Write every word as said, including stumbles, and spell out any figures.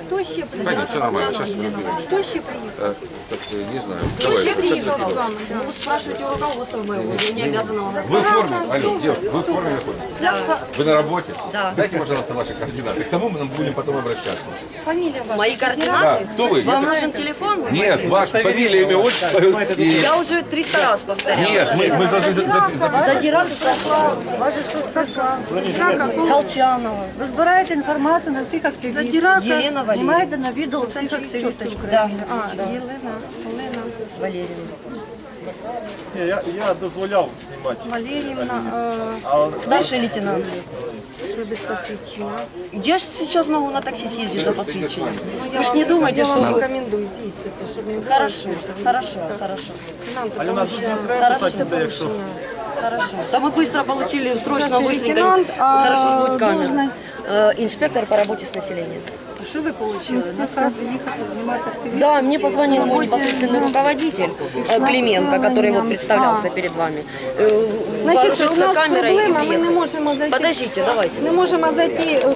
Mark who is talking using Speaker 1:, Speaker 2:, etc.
Speaker 1: Хто ще
Speaker 2: Да
Speaker 1: приїхав?
Speaker 2: нет, все нормально, сейчас мы разберемся.
Speaker 1: Хто ще приїхав?
Speaker 2: Э, так, э, не знаю.
Speaker 1: Хто
Speaker 2: Давай,
Speaker 1: ще
Speaker 2: сейчас
Speaker 1: приїхав з
Speaker 2: разберемся.
Speaker 1: вами? Да.
Speaker 3: Ну, спрашивайте у руководства моего, я не обязана вам
Speaker 2: Вы в
Speaker 3: рассказать.
Speaker 2: форме? Алло, девушка, вы в форме находитесь?
Speaker 3: Да.
Speaker 2: Вы на работе?
Speaker 3: Да.
Speaker 2: Дайте, пожалуйста, ваши координаты. К кому мы нам будем потом обращаться?
Speaker 1: Фамілія ваша?
Speaker 3: Мои
Speaker 2: Да,
Speaker 3: координаты?
Speaker 2: кто вы?
Speaker 3: Вам
Speaker 2: Я-
Speaker 3: нужен телефон?
Speaker 2: Нет, ваша фамилия, имя, отчество. И...
Speaker 3: Я уже триста раз повторяла.
Speaker 2: Нет, мы, мы должны за- за- записать.
Speaker 3: Задирак прошла.
Speaker 4: Вас же хто сказав?
Speaker 3: Колчанова.
Speaker 4: Ви збираєте інформацію на всіх активістів.
Speaker 1: Задирака.
Speaker 3: Елена Валерьевна.
Speaker 4: Знімаєте на відео всіх активістів.
Speaker 3: Да,
Speaker 1: А, Єлена, Олена
Speaker 3: Валерьевна.
Speaker 5: Ні, я, я дозволяв знімати.
Speaker 1: Валеріївна,
Speaker 5: А
Speaker 3: Старший лейтенант.
Speaker 1: е, що без посвідчення.
Speaker 3: Я ж сейчас могу на такси съездить за посвящением. Вы ж не думайте,
Speaker 1: Я
Speaker 3: что
Speaker 1: вам
Speaker 3: вы...
Speaker 1: рекомендую з'їздити, щоб не було.
Speaker 3: Хорошо, хорошо, хорошо,
Speaker 1: Нам,
Speaker 5: Альона,
Speaker 1: тому
Speaker 5: тут
Speaker 1: що
Speaker 5: не треба
Speaker 3: Хорошо.
Speaker 5: питати це, якщо
Speaker 3: хорошо. Да мы быстро получили, срочно,
Speaker 1: Старший
Speaker 3: быстренько.
Speaker 1: лейтенант, а
Speaker 3: Хорошо, будет камера.
Speaker 1: должность?
Speaker 3: Э, Инспектор по работе с населением.
Speaker 4: А що ви отримали? Наказ їхати знімати активістів?
Speaker 3: Да, мне позвонил мой непосредственный руководитель э, Клименко, который вот представлялся перед вами. Э,
Speaker 1: Значить, у
Speaker 3: вооружился
Speaker 1: нас
Speaker 3: камерой и
Speaker 1: проблема, ми не
Speaker 3: приехал.
Speaker 1: можемо зайти.
Speaker 3: Подождите, давайте.
Speaker 1: Не можемо зайти